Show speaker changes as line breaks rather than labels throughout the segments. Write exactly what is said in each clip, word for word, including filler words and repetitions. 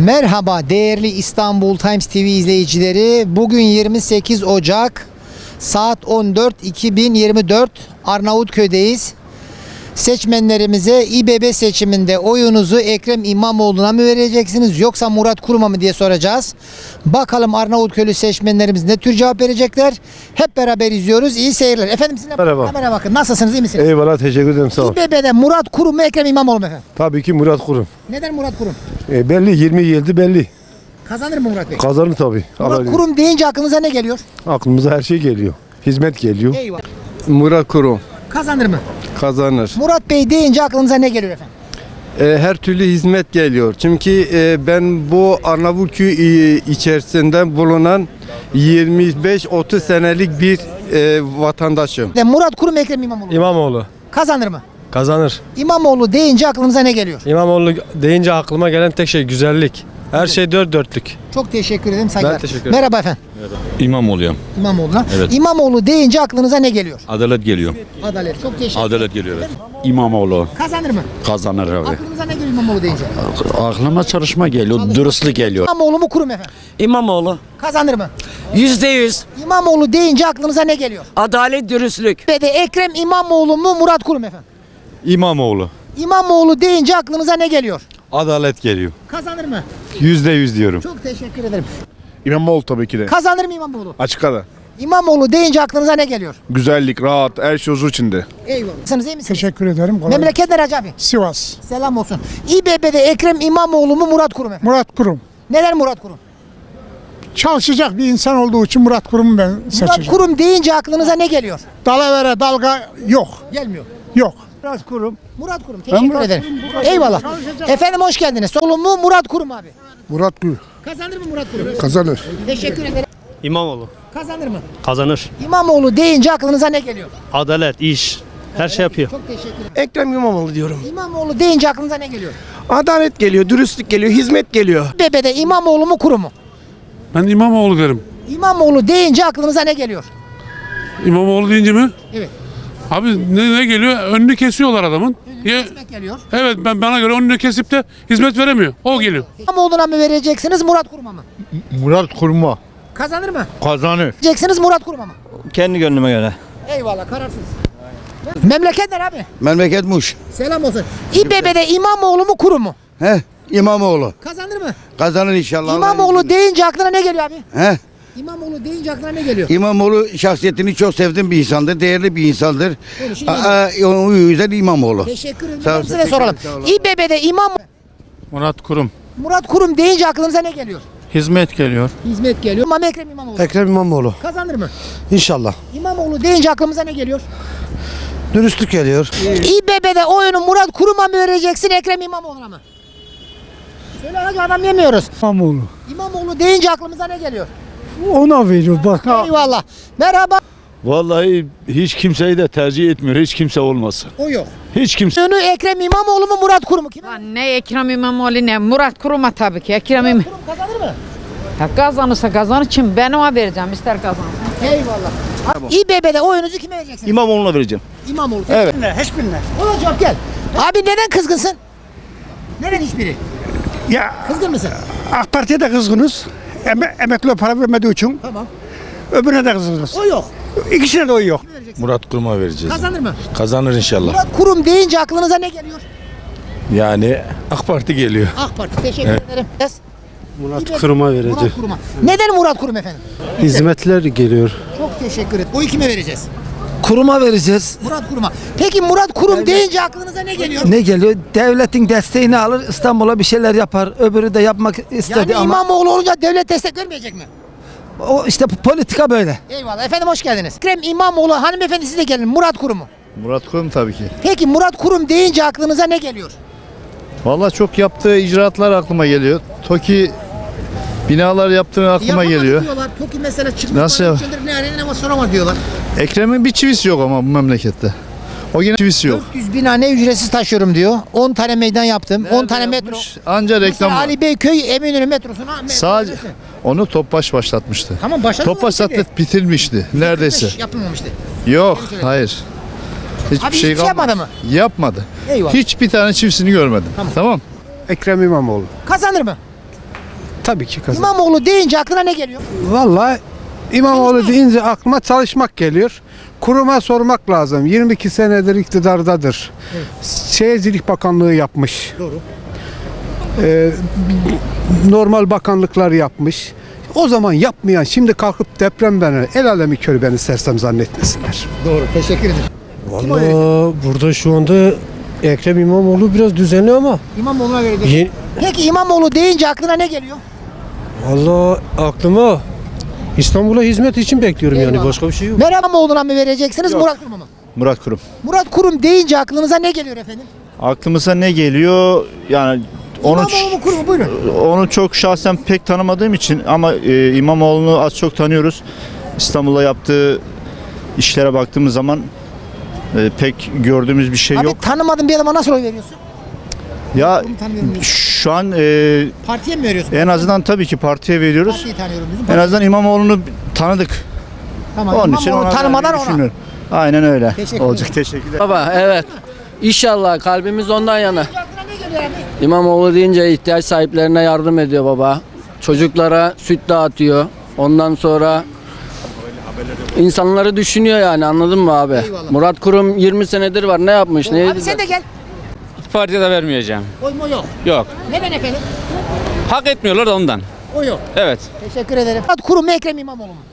Merhaba değerli İstanbul Times T V izleyicileri. Bugün yirmi sekiz Ocak saat on dört iki bin yirmi dört Arnavutköy'deyiz. Seçmenlerimize İBB seçiminde oyunuzu Ekrem İmamoğlu'na mı vereceksiniz yoksa Murat Kurum'a mı diye soracağız. Bakalım Arnavutköylü seçmenlerimiz ne tür cevap verecekler. Hep beraber izliyoruz. İyi seyirler. Efendim sizinle
Merhaba.
kamera bakın. Nasılsınız? İyi misiniz?
Eyvallah, teşekkür ederim, sağ ol.
İBB'de Murat Kurum mu Ekrem İmamoğlu mu efendim?
Tabii ki Murat Kurum.
Neden Murat Kurum?
E, belli yirmi yıldır belli.
Kazanır mı Murat Bey?
Kazanır tabii.
Murat
Alalım.
Kurum deyince aklınıza ne geliyor?
Aklımıza her şey geliyor. Hizmet geliyor.
Eyvallah.
Murat Kurum
Kazanır mı?
kazanır.
Murat Bey deyince aklınıza ne geliyor efendim?
E, her türlü hizmet geliyor. Çünkü e, ben bu Arnavutköy e, içerisinde bulunan yirmi beş otuz senelik bir e, vatandaşım.
De Murat Kurum Ekrem İmamoğlu.
İmamoğlu
Kazanır mı?
kazanır.
İmamoğlu deyince aklınıza ne geliyor?
İmamoğlu deyince aklıma gelen tek şey güzellik. Her şey dört dörtlük.
Çok teşekkür ederim. Saygılar.
Ben teşekkür ederim.
Merhaba efendim.
İmamoğlu'yum.
İmamoğlu'na.
Evet.
İmamoğlu deyince aklınıza ne geliyor?
Adalet geliyor.
Adalet. Çok teşekkür ederim.
Adalet geliyor. Evet. İmamoğlu
Kazanır mı?
kazanır abi.
Aklınıza ne geliyor İmamoğlu deyince?
Aklıma çalışma geliyor, dürüstlük geliyor.
İmamoğlu mu Kurum efendim?
İmamoğlu.
Kazanır mı?
Yüzde yüz.
İmamoğlu deyince aklınıza ne geliyor?
Adalet, dürüstlük.
Ve de Ekrem İmamoğlu mu Murat Kurum efendim?
İmamoğlu.
İmamoğlu deyince aklınıza ne geliyor?
Adalet geliyor.
Kazanır mı?
Yüzde yüz diyorum.
Çok teşekkür ederim.
İmamoğlu tabii ki de.
Kazanır mı İmamoğlu?
Açık ara.
İmamoğlu deyince aklınıza ne geliyor?
Güzellik, rahat, her şey huzur içinde.
Eyvallah. Nasılsınız, iyi misiniz?
Teşekkür ederim. Kolay gelsin.
Memleket nere Hacı abi?
Sivas.
Selam olsun. İBB'de Ekrem İmamoğlu mu Murat Kurum efendim?
Murat Kurum.
Neden Murat Kurum?
Çalışacak bir insan olduğu için Murat Kurum'u ben
Murat
seçeceğim.
Kurum deyince aklınıza ne geliyor?
Dalavere dalga yok.
Gelmiyor.
Yok. Murat Kurum.
Murat Kurum. Teşekkür ederim. Eyvallah. Efendim hoş geldiniz. Solun mu Murat Kurum abi?
Murat Kurum.
Kazanır mı Murat Kurum?
Kazanır.
Teşekkür ederim.
İmamoğlu
Kazanır mı?
kazanır.
İmamoğlu deyince aklınıza ne geliyor?
Adalet, iş, her şey yapıyor.
Çok teşekkür ederim.
Ekrem İmamoğlu diyorum.
İmamoğlu deyince aklınıza ne geliyor?
Adalet geliyor, dürüstlük geliyor, hizmet geliyor.
İBB'de İmamoğlu mu Kurum mu?
Ben İmamoğlu derim.
İmamoğlu deyince aklınıza ne geliyor?
İmamoğlu deyince mi?
Evet.
Abi ne, ne geliyor? Önünü kesiyorlar adamın. Ya,
Hizmet geliyor.
evet, ben bana göre önünü kesip de hizmet veremiyor. O geliyor.
İmamoğlu'na mı vereceksiniz Murat Kurum'a mı?
Murat Kurum'a.
Kazanır mı?
Kazanır.
Vereceksiniz Murat Kurum'a mı?
Kendi gönlüme göre.
Eyvallah, kararsız. Memleket nere abi?
Memleket Muş.
Selam olsun. İBB'de İmamoğlu mu Kurum mu?
He, İmamoğlu.
Kazanır mı?
Kazanır inşallah.
İmamoğlu deyince aklına ne geliyor abi?
He,
İmamoğlu deyince aklına ne geliyor?
İmamoğlu şahsiyetini çok sevdiğim bir insandır, değerli bir insandır.
Konuşun
Aa, o yüzden İmamoğlu.
Teşekkür ederim.
Sağ ol,
Size soralım. İBB'de İmam
Murat Kurum.
Murat Kurum deyince aklınıza ne geliyor?
Hizmet geliyor.
Hizmet geliyor. İmam Ekrem İmamoğlu.
Ekrem İmamoğlu.
Kazanır mı?
İnşallah.
İmamoğlu deyince aklımıza ne geliyor?
Dürüstlük geliyor.
İBB'de oyunu Murat Kurum'a mı vereceksin Ekrem İmamoğlu'na mı? Söyle hadi, adam yemiyoruz.
İmamoğlu.
İmamoğlu deyince aklımıza ne geliyor?
Ona veriyor bak.
Eyvallah. Merhaba.
Vallahi hiç kimseyi de tercih etmiyor. Hiç kimse olmasın.
O yok.
Hiç kimse.
Oyunu Ekrem İmamoğlu mu Murat Kurum mu? Kime?
Lan ne Ekrem İmamoğlu ne Murat Kurum'a tabii ki. Ekrem İmamoğlu.
Kurum kazanır mı?
Kazanırsa kazanır, kim ben ona vereceğim ister kazansın.
Eyvallah. İBB'de oyunuzu kime vereceksiniz?
İmamoğlu'na vereceğim.
İmamoğlu.
Evet.
Hiçbirine.
Ona cevap gel. Abi neden kızgınsın? Neden hiçbiri?
Ya
Kızgın mısın?
AK Parti'ye de kızgınız. Eme emekliye para vermediği için.
Tamam.
Öbürüne de kızgınız.
O yok.
İkisine de oy yok.
Murat Kurum'a vereceğiz.
Kazanır mı?
Kazanır inşallah.
Murat Kurum deyince aklınıza ne geliyor?
Yani AK Parti geliyor.
AK Parti. Teşekkür ederim. Yes.
Murat Kurum'a vereceğim.
Murat Kurum'a. Neden Murat Kurum efendim?
Hizmetler geliyor.
Çok teşekkür ederim. Oyu kime vereceğiz?
Kuruma vereceğiz.
Murat Kurum'a. Peki Murat Kurum deyince aklınıza ne geliyor?
Ne geliyor? Devletin desteğini alır, İstanbul'a bir şeyler yapar. Öbürü de yapmak istedi
Yani
ama
İmamoğlu olunca devlet destek vermeyecek mi?
o işte politika böyle.
Eyvallah. Efendim hoş geldiniz. Ekrem İmamoğlu, hanımefendi siz de gelin. Murat Kurum mu?
Murat Kurum tabii ki.
Peki Murat Kurum deyince aklınıza ne geliyor?
Vallahi çok yaptığı icraatlar aklıma geliyor. TOKİ binalar yaptığı aklıma
Yapamadı
geliyor.
diyorlar. TOKİ mesela çıktı.
Nasıl
bana
yap-
üç yıldır ne arayın ama soramadı diyorlar.
Ekrem'in bir çivisi yok ama bu memlekette. O yine çivisi yok.
dört yüz bina ne ücretsiz taşıyorum diyor. on tane meydan yaptım. on tane metro.
Yapmış, Anca
Mesela
reklam.
Ali Beyköy Eminönü metrosuna metro
Sadece
ücretli.
onu Topbaş başlatmıştı.
Tamam başladı.
Topbaş zaten bitirmişti neredeyse.
Yapılmamıştı.
Yok, hayır. Hiçbir
Abi
şey
hiç yapmadı
kalmadı.
mı?
Yapmadı.
Eyvallah.
Hiçbir tane çivisini görmedim. Tamam.
Ekrem İmamoğlu.
Kazanır mı?
Tabii ki kazanır.
İmamoğlu deyince aklına ne geliyor?
Vallahi İmamoğlu deyince aklıma çalışmak geliyor. Kuruma sormak lazım. yirmi iki senedir iktidardadır. Şehircilik Bakanlığı yapmış.
Doğru.
Ee, normal bakanlıklar yapmış. O zaman yapmayan şimdi kalkıp deprem beni, el alemi körü beni sersem zannetmesinler.
Doğru. Verir?
Valla burada şu anda Ekrem İmamoğlu biraz düzenli ama
İmamoğlu'na verecek.
Ye-
Peki İmamoğlu deyince aklına ne geliyor?
valla aklıma İstanbul'a hizmet için bekliyorum yani
Eyvallah.
başka bir şey yok.
Meral İmamoğlu'na mı vereceksiniz Murat Kurum'a mı?
Murat Kurum.
Murat Kurum deyince aklınıza ne geliyor efendim?
Aklımıza ne geliyor? Yani onu
İmamoğlu mu Kurum mu? Buyurun.
onu çok şahsen pek tanımadığım için ama e, İmamoğlu'nu az çok tanıyoruz. İstanbul'da yaptığı işlere baktığımız zaman e, pek gördüğümüz bir şey
Abi
yok.
tanımadığın bir adama nasıl oy veriyorsun?
Ya
Bunu tanıyorum diyorsun.
şu an e,
Partiye mi veriyorsun?
en azından tabii ki partiye veriyoruz.
Partiyi tanıyorum diyorsun.
En
Parti-
azından İmamoğlu'nu tanıdık.
Tamam.
Onun için
İmamoğlu
ona
tanımadan
vermeyi
ona.
düşünüyorum. Aynen öyle.
Teşekkür
Olacak.
ederim.
Teşekkürler.
Baba evet. İnşallah kalbimiz ondan yana.
Aklına ne geliyor abi?
İmamoğlu deyince ihtiyaç sahiplerine yardım ediyor baba. Çocuklara süt dağıtıyor. Ondan sonra insanları düşünüyor yani, anladın mı abi?
Eyvallah.
Murat Kurum yirmi senedir var, ne yapmış? Ne
Abi sen de gel.
Partiye de vermeyeceğim.
Oy mu yok?
Yok.
Neden efendim?
Hak etmiyorlar da ondan.
O yok.
Evet.
Teşekkür ederim. Murat Kurum mu Ekrem İmamoğlu mu?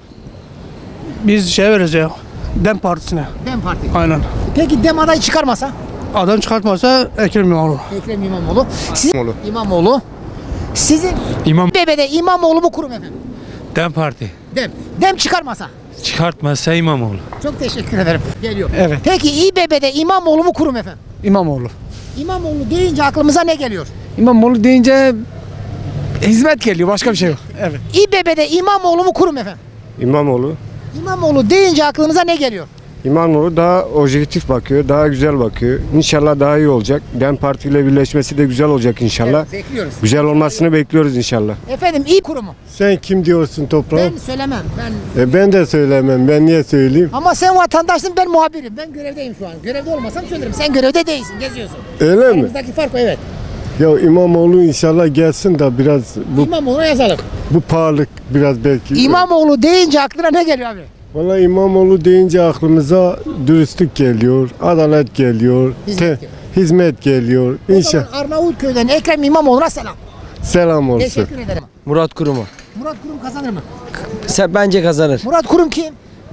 Biz şey vereceğiz. Dem Partisi'ne.
Dem Parti.
Aynen.
Peki Dem adayı çıkarmasa?
Adam çıkartmasa Ekrem İmamoğlu.
Ekrem İmamoğlu. Sizin İmamoğlu. İmamoğlu. Sizin
İmam
B B'de İmamoğlu mu Kurum efendim?
Dem Parti.
Dem. Dem çıkarmasa.
Çıkartmazsa İmamoğlu.
Çok teşekkür ederim. Geliyor.
Evet.
Peki İBB'de İmamoğlu mu Kurum efendim?
İmamoğlu.
İmamoğlu deyince aklımıza ne geliyor?
İmamoğlu deyince hizmet geliyor. Başka bir şey yok. Evet.
İBB'de İmamoğlu mu Kurum efendim?
İmamoğlu.
İmamoğlu deyince aklınıza ne geliyor?
İmamoğlu daha objektif bakıyor, daha güzel bakıyor. İnşallah daha iyi olacak. DEM Parti ile birleşmesi de güzel olacak inşallah.
Evet, bekliyoruz.
Güzel olmasını bekliyoruz inşallah.
Efendim İ Kurumu.
Sen kim diyorsun toprağım?
Ben söylemem. Ben
E ben de söylemem. Ben niye söyleyeyim?
Ama sen vatandaşsın, ben muhabirim. Ben görevdeyim şu an. Görevde olmasam söylerim. Sen görevde değilsin, geziyorsun.
Öyle mi?
Aramızdaki fark o, evet.
Ya İmamoğlu inşallah gelsin de biraz bu
İmamoğlu'na yazalım.
bu pahalılık biraz belki.
İmamoğlu deyince aklına ne geliyor abi?
Vallahi İmamoğlu deyince aklımıza dürüstlük geliyor, adalet geliyor,
Hizmet
te-
geliyor.
hizmet geliyor.
O
İnşallah.
zaman Arnavutköy'den Ekrem İmamoğlu'na selam.
Selam olsun.
Teşekkür ederim.
Murat Kurum'u.
Murat Kurum kazanır mı?
Sen bence kazanır.
Murat Kurum kim?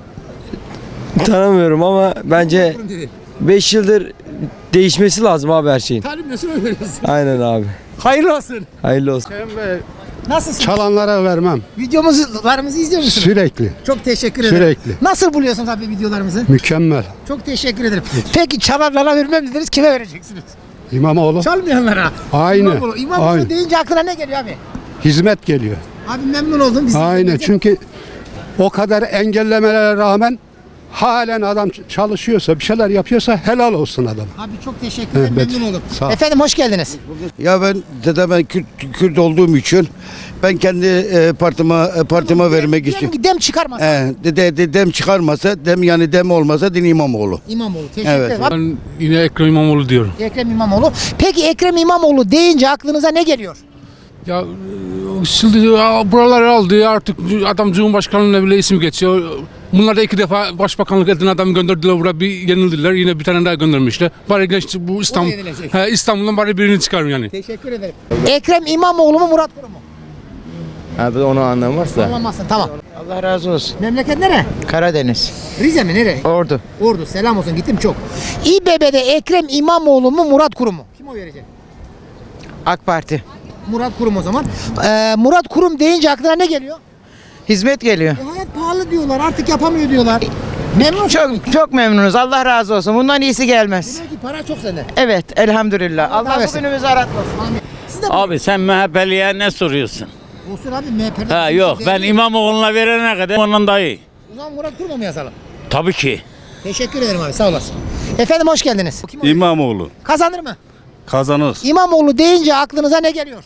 Tanımıyorum ama bence
Kurum dedi.
beş yıldır değişmesi lazım abi her şeyin.
Tanımıyorsun, öyle veriyorsun.
Aynen abi.
Hayırlı olsun.
Hayırlı olsun.
Nasılsın?
Çalanlara vermem.
Videomuzu izliyor musun?
Sürekli.
Çok teşekkür ederim.
Sürekli.
Nasıl buluyorsunuz abi videolarımızı?
Mükemmel.
Çok teşekkür ederim. Peki çalanlara vermem dediniz, kime vereceksiniz?
İmamoğlu.
Çalmayanlara.
Aynı.
İmamoğlu. İmamoğlu
Aynı.
deyince aklına ne geliyor abi?
Hizmet geliyor.
Abi memnun oldum. Biz
Aynen. Çünkü o kadar engellemelere rağmen halen adam çalışıyorsa, bir şeyler yapıyorsa helal olsun adam.
Abi çok teşekkür ederim.
Evet.
Memnun oldum.
Sağ ol.
Efendim hoş geldiniz.
Ya ben dede ben Kürt, Kürt olduğum için ben kendi e, partime e, partime vermek
Diyelim
istiyorum.
ki dem çıkarmasa.
He, dede de, dem çıkarmasa, dem yani dem olmasa din İmamoğlu.
İmamoğlu. Teşekkür
Evet.
ederim. Abi,
Ben yine Ekrem İmamoğlu diyorum.
Ekrem İmamoğlu. Peki Ekrem İmamoğlu deyince aklınıza ne geliyor?
Ya e, şimdi ya, buraları aldı artık, adam Cumhurbaşkanlığına bile isim geçiyor. Bunlar da iki defa başbakanlık eden adam gönderdiler buraya, bir yenildiler, yine bir tane daha göndermişler. Bari genç bu İstanbul,
yenilecek.
he, İstanbul'dan bari birini çıkarın yani.
Teşekkür ederim. Ekrem İmamoğlu mu Murat Kurum mu?
Abi onu anlamazsa.
Anlamazsın, tamam.
Allah razı olsun.
Memleket nere?
Karadeniz.
Rize mi, nere?
Ordu.
Ordu. Selam olsun, gittim çok. İBB'de Ekrem İmamoğlu mu Murat Kurum mu? Kim oy verecek?
AK Parti.
Murat Kurum o zaman. Ee, Murat Kurum deyince aklına ne geliyor?
Hizmet geliyor.
E, hayat pahalı diyorlar, artık yapamıyor diyorlar. Memnun musun?
Çok çok memnunuz. Allah razı olsun. Bundan iyisi gelmez.
Demek ki para çok sende.
Evet, elhamdülillah.
Allah
Allah
versin.
bugünümüzü aratmasın.
Amin. Siz de
Abi sen M H P'liye ne soruyorsun?
olsun abi, M H P'de.
Ha yok, ben İmamoğlu'na verene kadar ondan daha iyi.
O zaman Murat Kurum'a mı yazalım?
Tabii ki.
Teşekkür ederim abi, sağ olasın. Efendim hoş geldiniz. Kim oy-
İmamoğlu
Kazanır mı?
kazanır.
İmamoğlu deyince aklınıza ne geliyor?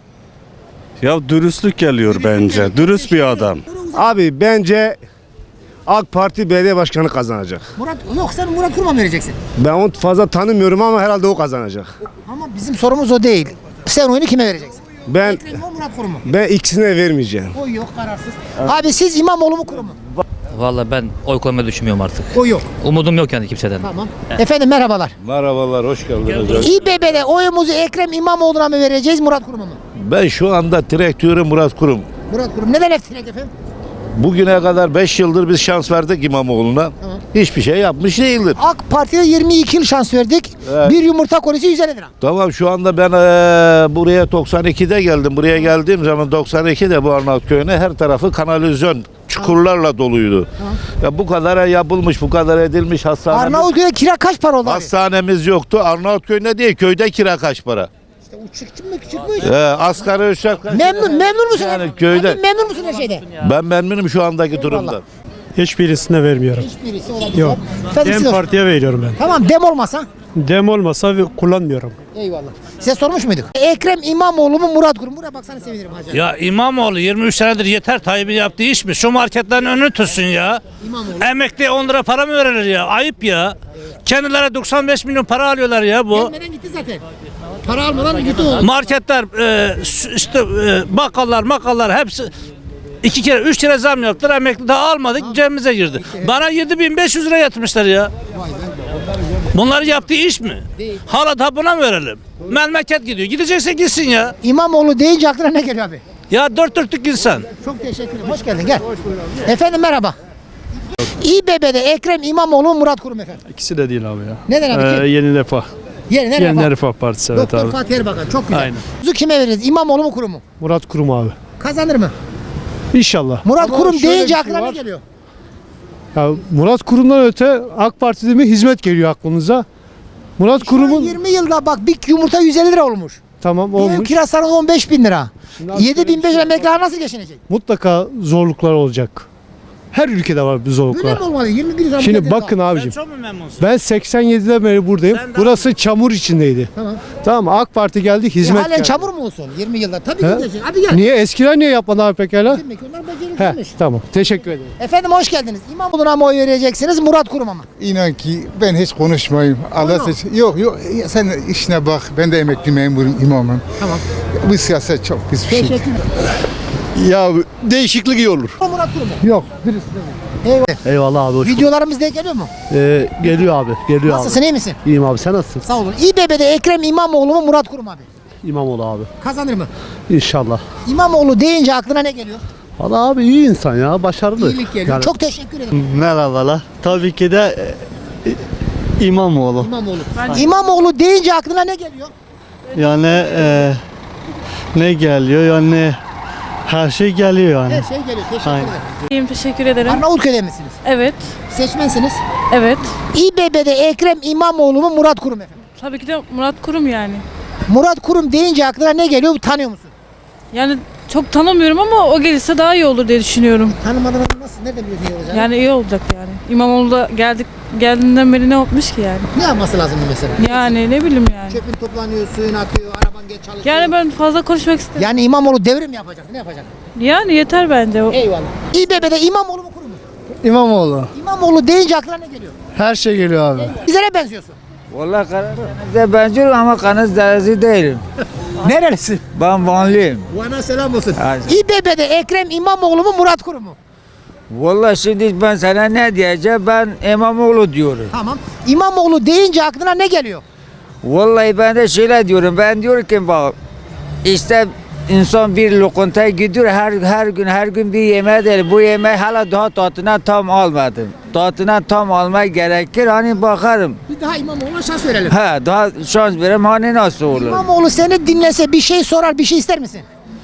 Ya dürüstlük geliyor bence. Dürüst bir adam.
Abi bence AK Parti belediye başkanı kazanacak.
Murat, yok sen Murat Kurum'a mı vereceksin?
Ben onu fazla tanımıyorum ama herhalde o kazanacak.
Ama bizim sorumuz o değil. Sen oyunu kime vereceksin?
Ben
Ekrem İmamoğlu, Murat Kurum mu?
ben ikisine vermeyeceğim.
Oy yok, kararsız. Abi siz İmamoğlu mu, Kurum mu?
Vallahi ben oy koymayı düşünmüyorum artık.
Oy yok.
Umudum yok yani kimseden.
Tamam. Efendim merhabalar.
Merhabalar, hoş geldiniz.
İBB'de oyumuzu Ekrem İmamoğlu'na mı vereceğiz, Murat Kurum'a mı?
Ben şu anda direktörüm Murat Kurum.
Murat Kurum. Neden hep direkt efendim?
Bugüne kadar beş yıldır biz şans verdik İmamoğlu'na.
Tamam.
Hiçbir şey yapmış değildir.
AK Parti'de yirmi iki yıl şans verdik.
Evet.
Bir yumurta kolisi yüz elli lira.
Tamam, şu anda ben eee, buraya doksan ikide geldim. Buraya geldiğim zaman doksan ikide bu Arnavutköy'üne her tarafı kanalizasyon çukurlarla doluydu.
Tamam.
Ya bu kadar yapılmış, bu kadar edilmiş hastanemiz.
Arnavutköy'de kira kaç para oldu abi?
Hastanemiz yoktu. Arnavutköy'ünde değil, köyde kira kaç para?
İşte uçuk çıkmış çıkmış.
Ee, asgari ücret kaç?
Memnun, memnun musun?
Yani köyde.
Abi, memnun musun her şeyde?
Ben memnunum şu andaki durumdan.
Hiçbirisine vermiyorum.
Hiçbirisi olabilir.
Yok.
Efendim, siz-
Dem Parti'ye veriyorum ben.
Tamam, dem olmasa.
Dem olmasa kullanmıyorum.
Eyvallah. Size sormuş muyduk? Ekrem İmamoğlu mu, Murat Kurum? Buraya baksana, sevinirim hacı.
Ya İmamoğlu yirmi üç senedir yeter Tayyip'in yaptığı iş mi? Şu marketlerin önünü tutsun ya.
İmamoğlu.
Emekliye on lira para mı verilir ya? Ayıp ya. Kendilerine doksan beş milyon para alıyorlar ya bu.
Gelmeden gitti zaten. Para almadan gitti o.
Marketler, e, s- işte e, bakkallar, makallar hepsi iki kere, üç kere zam yaptılar. Emekli daha almadık, cebimize girdi. Bana yedi bin beş yüz lira yatırmışlar ya. Bunları yaptığı iş mi? Hala da buna mı verelim? Memleket gidiyor. Gidecekse gitsin ya.
İmamoğlu deyince aklına ne geliyor abi?
Ya dört dörtlük insan.
Çok teşekkür ederim. Hoş geldin, gel. Efendim merhaba. İBB'de Ekrem İmamoğlu mu, Murat Kurum efendim?
İkisi de değil abi ya.
Neden abi?
Yeni Refah.
Yerine
Yeni
refah.
Refah Partisi evet
Doktor
abi.
Fatih Erbakan, çok güzel.
Aynen.
Kuzu kime veririz? İmamoğlu mu, Kurum mu?
Murat Kurum abi.
Kazanır mı?
İnşallah.
Murat
Ama
Kurum
şöyle bir
deyince
şey
aklına ne
var.
geliyor?
Ya Murat Kurum'dan öte AK Parti'de mi hizmet geliyor aklınıza? Murat
Şu an
Kurum'un
yirmi yılda bak bir yumurta yüz elli lira olmuş.
tamam
Bir ev
olmuş.
kirası on beş bin lira.
Şimdi
yedi bin beş yüz emekliler nasıl geçinecek?
Mutlaka zorluklar olacak. Her ülkede var bir
Böyle
zorluklar.
mi olmalı? yirmi bir yıl
Şimdi bakın abicim.
Çok mu memnunsun?
Ben seksen yediden beri buradayım.
Sen de-
Burası çamur içindeydi.
Tamam.
Tamam mı? AK Parti geldi,
E,
hizmet
halen
geldi.
çamur mu olsun yirmi yılda? Tabii
He?
ki geçecek. Abi gel.
Niye? Eskiler niye yapmadı abi pekala?
Demek ki onlar
He,
beceriksizmiş.
tamam. Teşekkür ederim.
Efendim hoş geldiniz. İmamoğlu'na mı oy vereceksiniz, Murat Kurum'a mı?
İnan ki ben hiç konuşmayayım. Allah
Buyurun.
seç. Yok yok sen işine bak. Ben de emekli memurum, imamım.
Tamam.
Bu siyaset çok pis bir şey.
Teşekkür ederim.
Ya değişiklik iyi olur.
Murat Kurum mu?
Yok.
Eyvallah.
Eyvallah abi.
Videolarımız denk geliyor mu?
Ee, geliyor abi. Geliyor
Nasılsın, iyi misin?
İyiyim abi. Sen nasılsın?
Sağ olun. İBB'de Ekrem İmamoğlu mu, Murat Kurum abi?
İmamoğlu abi.
Kazanır mı?
İnşallah.
İmamoğlu deyince aklına ne geliyor?
Valla abi iyi insan ya. Başarılı.
İyilik geliyor. Çok teşekkür ederim.
Merhabalar. Tabii ki de e, İmamoğlu.
İmamoğlu. İmamoğlu deyince aklına ne geliyor?
Yani e, ne geliyor yani her şey geliyor yani.
Her şey geliyor. Teşekkür
Aynen.
ederim.
İyiyim, teşekkür ederim.
Arnavutköy'de misiniz?
Evet,
Seçmensiniz.
evet.
İBB'de Ekrem İmamoğlu mu, Murat Kurum efendim?
Tabii ki de Murat Kurum yani.
Murat Kurum deyince aklına ne geliyor? Tanıyor musun?
Yani çok tanımıyorum ama o gelirse daha iyi olur diye düşünüyorum.
Tanımadan nasıl? Nereden biliyorsun iyi olacağını?
Yani iyi olacak yani. İmamoğlu da geldik geldiğinden beri ne olmuş ki yani?
Ne yapması lazım mesela?
Yani ne bileyim yani.
Çöpün toplanıyor, suyun akıyor, araban geç çalışıyor.
Yani ben fazla konuşmak istemiyorum.
Yani İmamoğlu devrim yapacak. Ne yapacak?
Yani yeter bence. O-
Eyvallah. İBB'de İmamoğlu mu, Kurum mu?
İmamoğlu.
İmamoğlu deyince aklına ne geliyor?
Her şey geliyor abi.
Bizlere benziyorsun.
Vallahi Karadeniz'e benziyorum ama Karadeniz'de değilim.
Nerelisin?
Ben Vanlıyım.
Bana selam olsun.
Hadi.
İBB'de Ekrem İmamoğlu mu, Murat Kurum mu?
Vallahi şimdi ben sana ne diyeceğim? Ben İmamoğlu diyorum.
Tamam. İmamoğlu deyince aklına ne geliyor?
Vallahi ben de şöyle diyorum. Ben diyorum ki bak işte insan bir lokantaya gidiyor her her gün her gün bir yemeğe değil. Bu yemeği hala daha tadına tam almadım. Tadına tam almaya gerekir. Hani bakarım.
Bir daha İmamoğlu'na şans verelim.
Ha daha şans verem hani nasıl olur?
İmamoğlu seni dinlese, bir şey sorar, bir şey ister misin?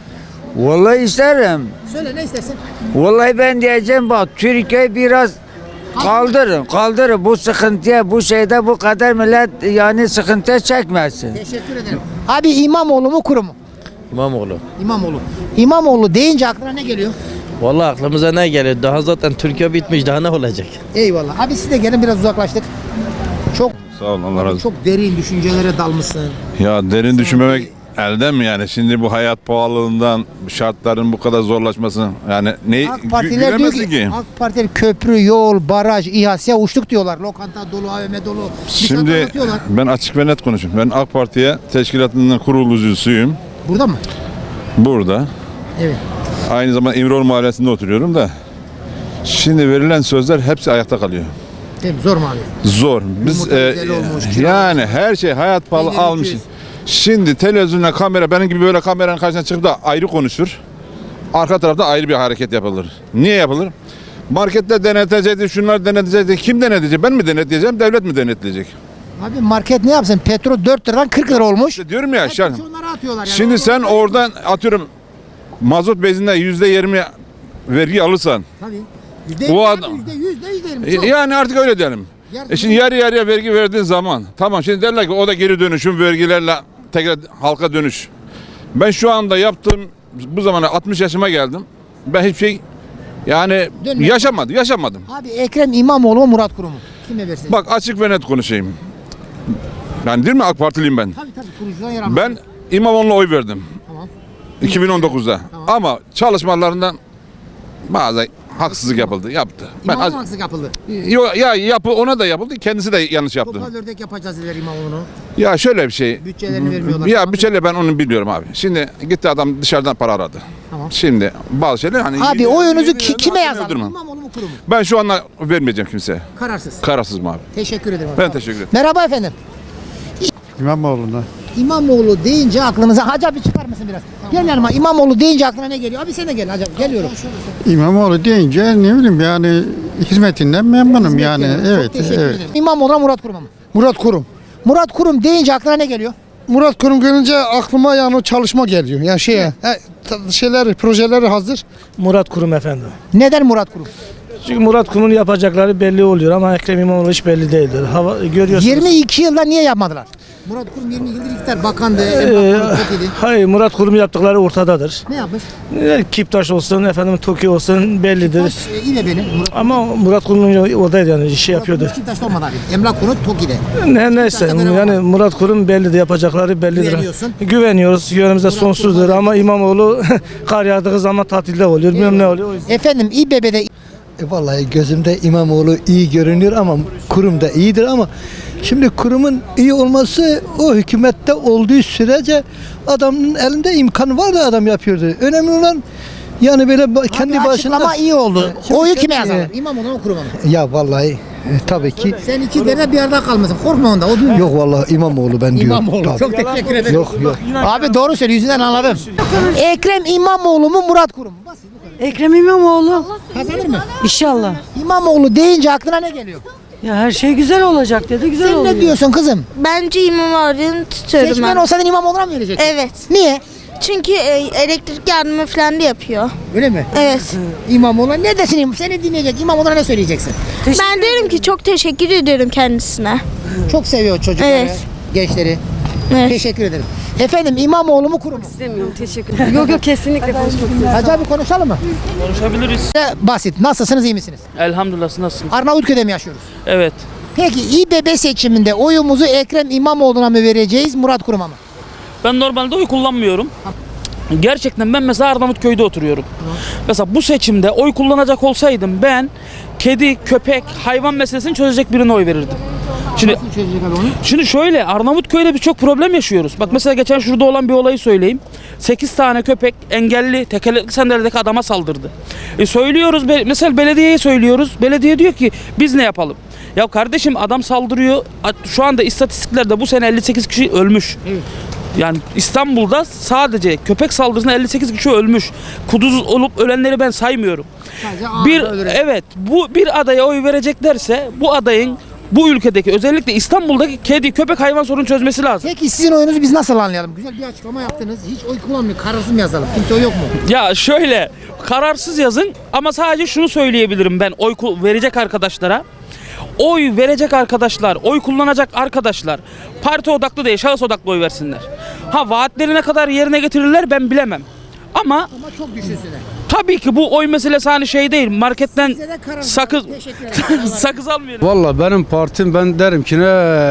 Vallahi isterim.
Söyle, ne istersin?
Vallahi ben diyeceğim bak Türkiye biraz kaldırın kaldırın bu sıkıntıya bu şeyde bu kadar millet yani sıkıntıya çekmesin.
Teşekkür ederim. Abi İmamoğlu mu, Kurum mu?
İmamoğlu.
İmamoğlu. İmamoğlu deyince aklına ne geliyor?
Vallahi aklımıza ne geliyor? Daha zaten Türkiye bitmiş. Daha ne olacak?
Eyvallah. Abi siz de gelin, biraz uzaklaştık. Çok
Sağ olun, Allah razı olsun.
çok derin düşüncelere dalmışsın.
Ya derin düşünmemek elden mi yani? Şimdi bu hayat pahalılığından, şartların bu kadar zorlaşması yani ne
AK Partiler diyor ki, AK Partiler köprü, yol, baraj, İHA'ya uçtuk diyorlar. Lokanta dolu, A V M dolu. Bir saat
Şimdi
anlatıyorlar.
ben açık ve net konuşayım. Ben AK Parti'ye teşkilatının kurulucusuyum.
Burada mı?
Burada.
Evet.
Aynı zamanda İmroğlu Mahallesi'nde oturuyorum da. Şimdi verilen sözler hepsi ayakta kalıyor.
Değil mi? Zor mu abi?
Zor. Biz
Yumurta
e,
güzel olmuş, kira
yani her şey hayat pahalı
Peynir
almış.
iki yüz.
Şimdi televizyonla kamera benim gibi böyle kameranın karşısına çıkıp da ayrı konuşur. Arka tarafta ayrı bir hareket yapılır. Niye yapılır? Markette denetecekti, şunlar denetecekti. Kim denetleyecek? Ben mi denetleyeceğim, devlet mi denetleyecek?
Abi market ne yapsın? Petrol dört liradan kırk lira olmuş.
İşte diyorum ya. şu an-
Onları atıyorlar yani.
Şimdi sen oradan atıyorum mazot bezinde yüzde yirmi vergi alırsan.
Tabii.
O
Yüzde yirmi,
adam-
yüzde yüz, yüzde yirmi.
E,
Çok.
Yani artık öyle diyelim.
Yarısı
E şimdi yarı yarıya vergi verdiğin zaman tamam şimdi derler ki o da geri dönüşüm vergilerle tekrar halka dönüş. Ben şu anda yaptığım bu zamana altmış yaşıma geldim. Ben hiçbir şey yani
Dönme.
yaşamadım, yaşamadım.
Abi Ekrem İmamoğlu mu Murat Kurum mu? Kime versin?
Bak açık ve net konuşayım. Yani değil mi AK Partiliyim ben?
Tabii tabii kurucudan yer almış.
Ben İmamoğlu'na oy verdim.
Tamam.
iki bin on dokuzda. Ama çalışmalarından bazı haksızlık yapıldı, yaptı. Ben
İmamoğlu
az-
haksızlık yapıldı.
Yo, ya yapı ona da yapıldı, kendisi de yanlış yaptı.
Topal ördek yapacağız dediler İmamoğlu'nu.
Ya şöyle bir şey.
Bütçelerini vermiyorlar.
Ya bütçeyle ben onu biliyorum abi. Şimdi gitti adam dışarıdan para aradı.
Tamam.
Şimdi bazı şeyler hani
Abi
yedi-
oyunuzu
yedi-
ki,
yedi-
kime
hakkını
yazalım?
öldürmem.
İmamoğlu mu Kurum mu?
Ben şu anda vermeyeceğim kimseye.
Kararsız.
Kararsız mı abi?
Teşekkür ederim. abi.
Ben
Tamam.
teşekkür ederim.
Merhaba efendim.
İmamoğlu'na.
İmamoğlu deyince aklınıza Hacı abi çıkar mısın biraz? Gel yanıma. İmamoğlu deyince aklına ne geliyor? Abi sen de gel Hacı abi. Geliyorum.
İmamoğlu deyince ne bileyim yani hizmetinden memnunum yani.
Çok
Evet,
teşekkür
evet.
ederim. İmamoğlu'na Murat Kurum'a mı?
Murat Kurum.
Murat Kurum deyince aklına ne geliyor?
Murat Kurum gelince aklıma yani o çalışma geliyor. Yani şeye, he, ta- şeyler, projeleri hazır.
Murat Kurum efendim.
Neden Murat Kurum?
Çünkü Murat Kurum'un yapacakları belli oluyor ama Ekrem İmamoğlu hiç belli değildir. Hava, görüyorsunuz.
yirmi iki yılda niye yapmadılar? Murat Kurum yirmi yıldır iktidar bakandı.
Ee,
emlak kurulu çok iyiydi.
hayır Murat Kurum yaptıkları ortadadır.
Ne yapmış?
Ee, Kiptaş olsun, efendim Toki olsun bellidir.
Taş e, yine benim. Murat
Ama Murat Kurum oradaydı yani işi yapıyordu.
Murat Kurum Taş'ta olmadı abi. Emlak kurulu Toki'de.
Ne neyse
Kiptaş'ta görev
yani
var.
Murat Kurum bellidir, yapacakları bellidir.
Güveniyorsun.
Güveniyoruz. Güvenimize sonsuzdur ama İmamoğlu kar yağdığı zaman tatilde oluyor. Bilmem ne oluyor. O yüzden-
Efendim İBB'de
E vallahi gözümde İmamoğlu iyi görünüyor ama kurum da iyidir ama şimdi kurumun iyi olması o hükümette olduğu sürece adamın elinde imkan var da adam yapıyordu. Önemli olan yani böyle ba- kendi
Abi
başına
açıklama iyi oldu.
Şimdi
Oyu
kendi-
kime yazarlar? İmamoğlu mu Kurum'a mı?
Ya vallahi e, tabii ki
Sen iki derede bir arada kalmasın. Korkma onda. O duymuyor.
yok vallahi İmamoğlu ben diyorum.
İmamoğlu.
Tabii.
Çok teşekkür ederim.
Yok yok.
Abi doğru söylüyor. Yüzünden anladım. Ekrem İmamoğlu mu Murat Kurum mu? Basit bu kadar.
Ekrem İmamoğlu.
Kazanır mı?
İnşallah.
İmamoğlu deyince aklına ne geliyor?
Ya her şey güzel olacak dedi. Güzel
Sen
oluyor.
ne diyorsun kızım?
Bence İmamoğlu'nu tutuyorum
Seçmen
ben.
olsaydın İmamoğlu'na mı verecektin?
Evet.
Niye?
Çünkü e, elektrik yardımı falan da yapıyor.
Öyle mi?
Evet.
İmamoğlu'na ne desin? Seni dinleyecek. İmamoğlu'na ne söyleyeceksin?
Ben diyorum ki çok teşekkür ediyorum kendisine.
Çok seviyor çocukları,
Evet.
gençleri.
Evet.
Teşekkür ederim. Efendim İmamoğlu mu Kurum mu?
İstemiyorum. Teşekkür ederim. yok yok kesinlikle konuşmak istiyorum.
Hacı abi konuşalım mı?
Konuşabiliriz.
Basit. Nasılsınız, iyi misiniz?
Elhamdülillah nasılsın?
Arnavutköy'de mi yaşıyoruz?
Evet.
Peki İBB seçiminde oyumuzu Ekrem İmamoğlu'na mı vereceğiz, Murat Kurum'a mı?
Ben normalde oy kullanmıyorum. Gerçekten ben mesela Arnavutköy'de oturuyorum. Mesela bu seçimde oy kullanacak olsaydım ben kedi, köpek, hayvan meselesini çözecek birine oy verirdim. Şimdi
Nasıl çözecek abi onu?
Şimdi şöyle Arnavutköy'de birçok problem yaşıyoruz. Bak mesela geçen şurada olan bir olayı söyleyeyim. sekiz tane köpek engelli tekerlekli sandalyedeki adama saldırdı. E söylüyoruz be- mesela belediyeye söylüyoruz. Belediye diyor ki biz ne yapalım? Ya kardeşim adam saldırıyor. A- Şu anda istatistiklerde bu sene elli sekiz kişi ölmüş.
Evet.
Yani İstanbul'da sadece köpek saldırısında elli sekiz kişi ölmüş. Kuduz olup ölenleri ben saymıyorum.
Sadece ağır
Bir
öldürecek.
evet bu bir adaya oy vereceklerse bu adayın bu ülkedeki özellikle İstanbul'daki kedi köpek hayvan sorunu çözmesi lazım.
Peki sizin oyunuzu biz nasıl anlayalım? Güzel bir açıklama yaptınız. Hiç oy kullanmıyor. Kararsız mı yazalım? Kimse oy yok mu?
Ya şöyle kararsız yazın ama sadece şunu söyleyebilirim ben oy ku- verecek arkadaşlara. Oy verecek arkadaşlar, oy kullanacak arkadaşlar parti odaklı değil şahıs odaklı oy versinler. Ha vaatleri ne kadar yerine getirirler ben bilemem. Ama
Ama çok düşünsünler.
tabii ki bu oy meselesi hani şey değil marketten
Size de kararsız.
sakız
Teşekkür ederim.
sakız almayalım.
Valla benim partim ben derim ki ne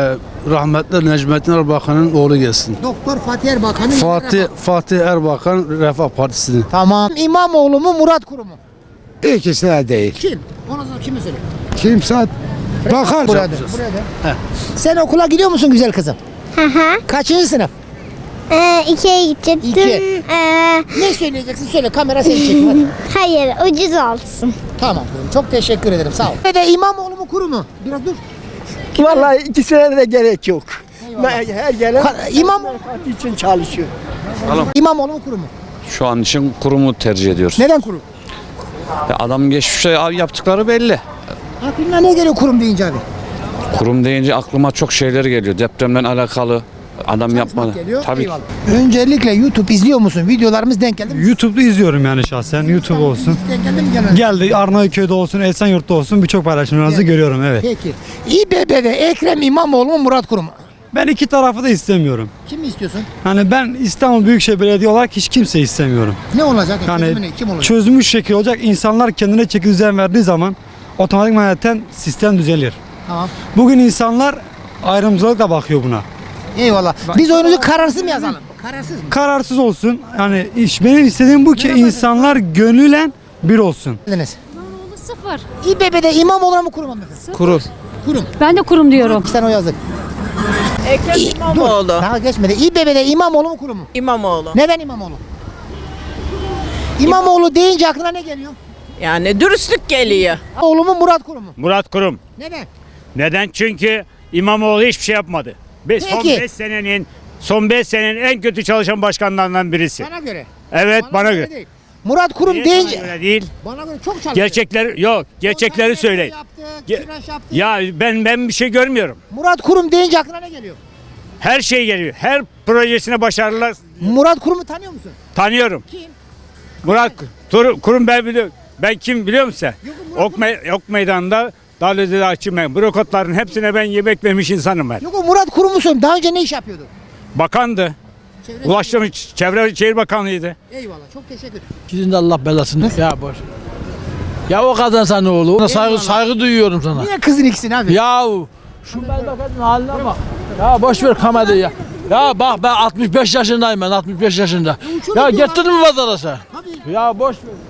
rahmetli Necmettin Erbakan'ın oğlu gelsin.
Doktor Fatih Erbakan'ın
Fatih Fatih Erbakan Refah Partisi'nin.
Tamam. İmamoğlu mu Murat Kurum mu?
İkisi de değil.
Kim? Onu da kime söyle?
Kimse bakar.
Burada. Burada. Sen okula gidiyor musun güzel kızım?
Hı hı.
Kaçıncı sınıf?
Ee, ikiye gidecektim.
İki.
Ee,
Ne söyleyeceksin? Söyle, kamera seni çekiyor.
hayır, ucuz olsun.
Tamam, çok teşekkür ederim, sağ ol. Ve de İmamoğlu mu kuru mu? Biraz dur.
Vallahi ikisine de gerek yok. Her gelen
Ka- İmam
parti için çalışıyor.
İmamoğlu mu kuru mu?
Şu an için kurumu tercih ediyoruz.
Neden kuru?
Ya adam geçmişte yaptıkları belli.
Aklına ne geliyor kurum deyince abi?
Kurum deyince aklıma çok şeyler geliyor. Depremle alakalı adam yapmadı.
Geliyor.
Tabii ki.
Eyvallah. Öncelikle YouTube izliyor musun? Videolarımız denk geldi mi?
YouTube'da izliyorum yani şahsen. YouTube olsun.
Denk geldi mi genelde?
Geldi Arnavutköy'de olsun, Esenyurt'ta olsun birçok paylaşımlarınızı görüyorum evet.
Peki. İBB'de Ekrem İmamoğlu mu Murat Kurum mu?
Ben iki tarafı da istemiyorum.
Kim istiyorsun?
Hani ben İstanbul Büyükşehir Belediye olarak hiç kimse istemiyorum.
Ne olacak?
Yani
Çözümü ne? Kim olacak?
çözülmüş şekil olacak. İnsanlar kendine çeki düzen verdiği zaman otomatikman zaten sistem düzelir.
Tamam.
Bugün insanlar ayrımcılıkla bakıyor buna.
Eyvallah. Biz oyunuzu kararsız mı yazalım? Kararsız mı?
Kararsız olsun. Yani iş benim istediğim bu ki insanlar gönülen bir olsun.
Deniz.
Sıfır.
İBB'de İmamoğlu mu Kurum mu?
Kurum.
Kurum.
Ben de kurum diyorum.
İki tane o yazdık.
Ekrem
İ- Dur, daha geçmedi. İBB'de İmamoğlu mu Kurum mu?
İmamoğlu.
Neden İmamoğlu? İmamoğlu deyince aklına ne geliyor?
Yani dürüstlük geliyor.
Oğlu mu Murat Kurum mu?
Murat Kurum.
Neden?
Neden? Çünkü İmamoğlu hiçbir şey yapmadı. Be- son
Peki.
beş senenin son beş senenin en kötü çalışan başkanlarından birisi.
Bana göre.
Evet, bana, göre.
değil. Murat Kurum
Niye
deyince
sana göre değil.
bana göre çok çalışıyor.
Gerçekler yok. Gerçekleri söyleyin.
Yaptı,
Ge-
tıraş yaptı.
Ya ben ben bir şey görmüyorum.
Murat Kurum deyince aklına ne geliyor?
Her şey geliyor. Her projesine başarılar
Murat Kurum'u tanıyor musun?
tanıyorum.
Kim?
Murat Tur- Kurum ben biliyorum. Ben kim biliyor musun sen? Ok, me- ok meydanında Dalözü'de açım ben. Brokotların hepsine ben yemek vermiş insanım ben.
Yok o Murat Kurum'u söylüyorum. Daha önce ne iş yapıyordu?
Bakandı.
Çevre
Ulaştırma Çevre Şehir Bakanlığıydı.
Eyvallah. Çok teşekkür ederim.
Sizin de Allah belasını. Ya boş. Ya o kadar sana ne oğlu? Ona saygı saygı duyuyorum sana.
Niye kızın ikisini abi?
Ya şu memleketin haline bak. Ya boş ver kamerayı ya. Ya bak ben altmış beş yaşındayım ben altmış beş yaşında. Ya getirdin mi pazara sen? Ya boş ver.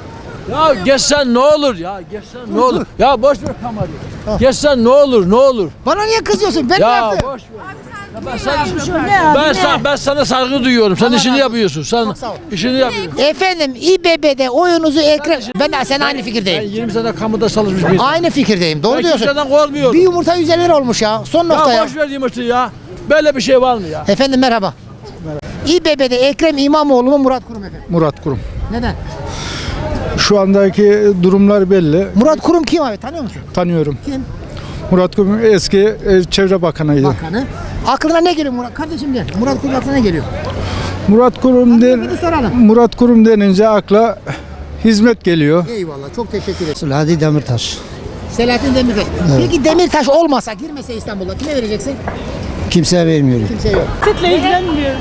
Ya geçsen ne olur ya geçsen ne olur. Ya boş ver kamerayı. Geçsen ne olur ne olur.
Bana niye kızıyorsun? Ben ne
Ya
yaptım?
boş ver. Ya ben, sana, ben, sana, ben sana saygı duyuyorum. Sen işini yapıyorsun. Sen işini yapıyorsun.
Efendim İBB'de oyunuzu Ekrem... Ben de sen aynı
Ben
fikirdeyim.
yirmi sene kamuda çalışmış bir insan.
Aynı fikirdeyim. Doğru
Ben
diyorsun.
kimseden korkmuyorum.
Bir yumurta yüz elli lira olmuş ya. Son nokta
Ya
ya.
boş ver yumurtayı ya. Böyle bir şey var mı ya?
Efendim merhaba. İBB'de Ekrem İmamoğlu mu Murat Kurum efendim?
Murat Kurum.
Neden?
Şu andaki durumlar belli.
Murat Kurum kim abi? Tanıyor musun?
Tanıyorum.
Kim?
Murat Kurum eski e, Çevre Bakanıydı.
Bakanı. Aklına ne geliyor Murat? Kardeşim gel. Murat Kurum aklına ne geliyor?
Murat Kurum den,
Bunu soralım.
Murat Kurum denince akla hizmet geliyor.
Eyvallah. Çok teşekkür ederim.
Selahattin Demirtaş.
Selahattin Demirtaş. Peki Demirtaş olmasa, girmese İstanbul'a kime vereceksin?
Kimseye vermiyorum.
Kimse yok.
Sütle ilgilenmiyor.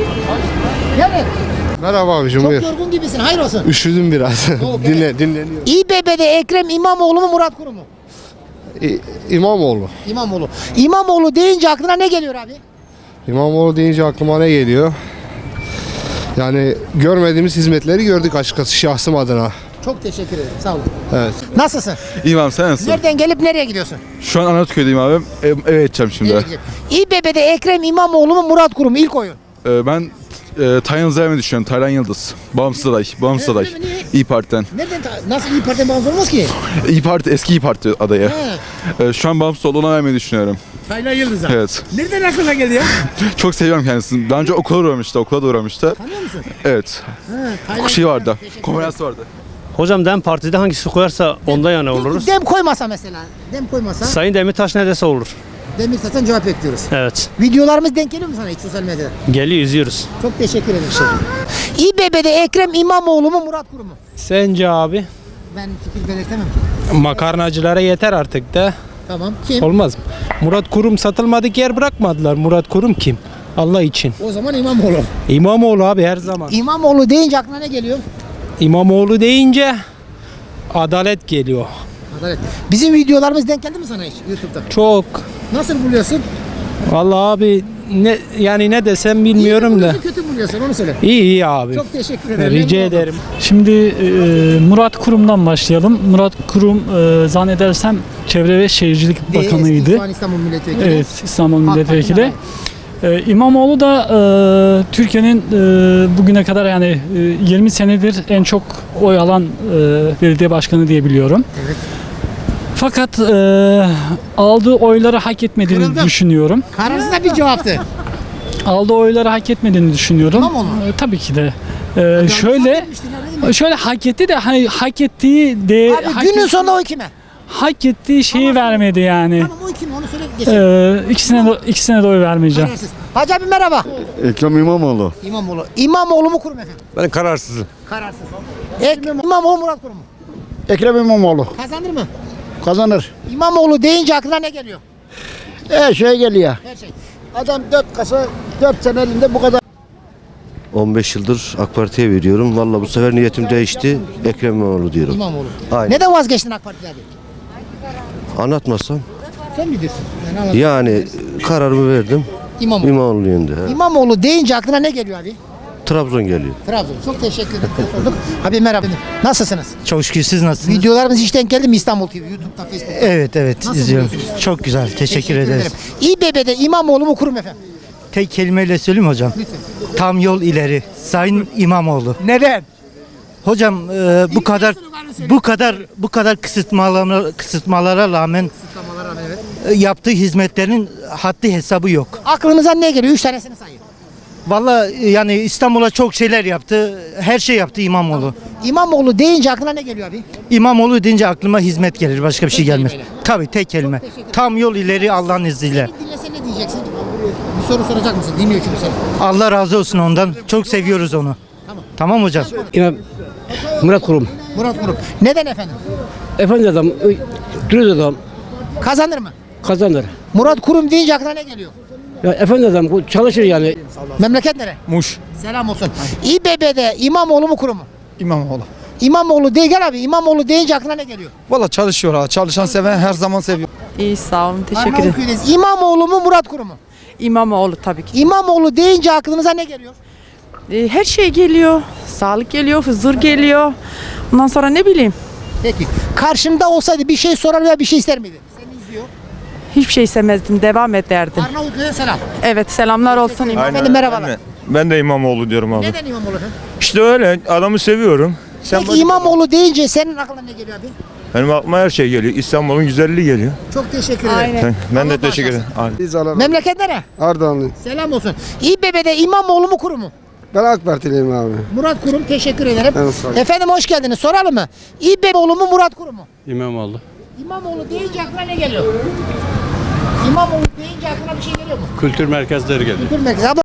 Yani
Merhaba abicim
çok
buyur.
yorgun gibisin. Hayır olsun.
Üşüdüm biraz. Dinle, dinleniyorum.
İBB'de Ekrem İmamoğlu mu Murat Kurum mu?
İ- İmamoğlu.
İmamoğlu. İmamoğlu deyince aklına ne geliyor abi?
İmamoğlu deyince aklıma ne geliyor? Yani görmediğimiz hizmetleri gördük açıkçası şahsım adına.
Çok teşekkür ederim. Sağ olun.
Evet.
Nasılsın?
İyiyim abi sen nasılsın?
Nereden gelip nereye gidiyorsun?
Şu an Arnavutköy'deyim abi. Ev, eve gideceğim şimdi.
Nereye gideceksin? İBB'de Ekrem İmamoğlu mu Murat Kurum mu? İlk oyun.
Ee, ben e, Taylan Zerme düşünüyorum. Taylan Yıldız. Bağımsız aday. Bağımsız aday. İyi Parti'den.
Neden? ta- Nasıl İYİ Parti'den bağımsız olmaz ki?
İyi Parti, eski İyi Parti adayı. Ee, şu an bağımsız olduğuna vermeyi düşünüyorum.
Taylan Yıldız'a.
Evet.
Nereden aklına geldi ya?
Çok seviyorum kendisini. Daha önce okula uğramıştı. Okula da uğramıştı.
Tanıyor musun?
Evet.
Taylan
Şey vardı.
Teşekkür ederim.
Konferans vardı.
Hocam DEM Parti'de hangisi koyarsa onda yana oluruz.
Dem koymasa mesela. Dem koymasa.
Sayın Demirtaş ne dese olur.
Demirtaş'tan cevap bekliyoruz.
Evet.
Videolarımız denk geliyor mu sana hiç sosyal medyada?
Geliyor izliyoruz.
Çok teşekkür ederim. İBB'de Ekrem İmamoğlu mu Murat Kurum mu?
Sence abi?
Ben fikir belirtemem.
Makarnacılara yeter artık da.
Tamam. Kim?
Olmaz mı? Murat Kurum satılmadık yer bırakmadılar. Murat Kurum kim? Allah için.
O zaman İmamoğlu.
İmamoğlu abi her zaman.
İmamoğlu deyince aklına ne geliyor?
İmamoğlu deyince adalet geliyor.
Adalet. Bizim videolarımız denk geldi mi sana hiç YouTube'da?
Çok.
Nasıl buluyorsun?
Vallahi abi ne yani ne desem bilmiyorum da.
Kötü mü buluyorsun onu söyle.
İyi iyi abi.
Çok teşekkür ederim.
Rica
Memnun oldum.
ederim.
Şimdi e, Murat Kurum'dan başlayalım. Murat Kurum e, zannedersem Çevre ve Şehircilik
Değil,
Bakanıydı.
eski şu an İstanbul Milletvekili.
Evet, İstanbul
AK
Milletvekili.
Parti'den
Ee, İmamoğlu da e, Türkiye'nin e, bugüne kadar yani e, yirmi senedir en çok oy alan e, belediye başkanı diye biliyorum.
Evet.
Fakat e, aldığı oyları hak etmediğini
Kırıldım.
düşünüyorum.
Kararsız da bir cevaptı.
Aldığı oyları hak etmediğini düşünüyorum.
İmamoğlu.
E, tabii ki de. E, şöyle şöyle hak etti de hani hak ettiği de
Abi
hak
günün
et-
sonunda oy kime?
hak ettiği şeyi vermedi yani.
Tamam oy kime onu söyle geçelim.
E, ikisine de, ikisine de oy vermeyeceğim.
Kararsız. Hacı abi merhaba.
Ekrem İmamoğlu.
İmamoğlu. İmamoğlu mu kurum efendim?
Ben kararsızım.
Kararsız. Ekrem İmamoğlu Murat Kurum mu?
Ekrem İmamoğlu.
Kazanır mı?
Kazanır.
İmamoğlu deyince aklına ne geliyor?
Her şey geliyor.
Her şey.
Adam dört kasa, dört sene elinde bu kadar.
on beş yıldır AK Parti'ye veriyorum. Vallahi bu sefer niyetim değişti. Ekrem İmamoğlu diyorum.
İmamoğlu.
Aynen.
Neden vazgeçtin AK Parti'den abi?
Anlatmasam.
Sen bilirsin. Yani anlat.
Yani kararımı verdim.
İmamoğlu.
İmamoğlu yönünde. he.
İmamoğlu deyince aklına ne geliyor abi?
Trabzon geliyor.
Trabzon. Çok teşekkür ederim. Sorduk. Abi merhaba. Nasılsınız?
Çok şükür, siz nasılsınız?
Videolarımız hiç denk geldi mi İstanbul T V? YouTube'da, Facebook'ta.
Evet evet
Nasıl
izliyorum.
buluyorsunuz?
Çok güzel, teşekkür, ederiz.
ederim. İBB'de İmamoğlu mu kurum efendim?
Tek kelimeyle söyleyeyim mi hocam? Tam yol ileri. Sayın İmamoğlu.
Neden?
Hocam e, bu kadar bu kadar bu kadar kısıtmalara kısıtmalara rağmen e, yaptığı hizmetlerin haddi hesabı yok.
Aklınıza ne geliyor? Üç tanesini sayın.
Vallahi e, yani İstanbul'a çok şeyler yaptı. Her şey yaptı İmamoğlu.
İmamoğlu deyince aklına ne geliyor abi?
İmamoğlu deyince aklıma hizmet gelir. Başka bir şey gelmez.
kelimeyle.
Tabii tek kelime. Tam yol ileri Allah'ın izniyle.
Dinlese ne diyeceksin? Bir soru soracak mısın? Dinliyor çünkü seni.
Allah razı olsun ondan. Çok seviyoruz onu.
Tamam.
Tamam hocam.
İmam Murat Kurum.
Murat Kurum. Neden efendim?
Efendi adam, dürüst adam,
Kazanır mı?
kazanır.
Murat Kurum deyince aklına ne geliyor?
Ya efendi adam bu çalışır yani.
Memleket nere?
Muş.
Selam olsun. İBB'de İmamoğlu mu kurum mu?
İmamoğlu.
İmamoğlu değil gel abi. İmamoğlu deyince aklına ne geliyor?
Valla çalışıyor ha. Çalışan seven her zaman seviyor.
İyi sağ olun teşekkür ederim.
Arnavutköy'deyiz. İmamoğlu mu Murat Kurum mu?
İmamoğlu tabii ki.
İmamoğlu deyince aklınıza ne geliyor?
Ee, her şey geliyor. Sağlık geliyor, huzur geliyor. Ondan sonra ne bileyim.
Peki. Karşında olsaydı bir şey sorar veya bir şey ister miydi? Seni izliyor.
Hiçbir şey istemezdim. Devam ederdim.
Arnavutköy'e selam.
Evet selamlar olsun. İmam.
Efendim merhabalar.
Ben de İmamoğlu diyorum abi.
Neden İmamoğlu efendim?
İşte öyle adamı seviyorum. Sen
Peki İmamoğlu deyince senin aklına ne geliyor abi?
Benim aklıma her şey geliyor. İstanbul'un güzelliği geliyor.
Çok teşekkür ederim.
Aynen.
Ben de teşekkür ederim.
Biz alalım.
Memleket nere?
Ardahanlı.
Selam olsun. İBB'de İmamoğlu mu kurum mu?
Ben AK Partiliyim abi.
Murat Kurum teşekkür ederim.
Evet, sağ olun.
Efendim hoş geldiniz. Soralım mı? İBB'oğlu mu Murat Kurum mu?
İmamoğlu.
İmamoğlu deyince aklına ne geliyor? İmamoğlu deyince aklına bir şey geliyor mu?
Kültür merkezleri geliyor.
Kültür merkezi. Abla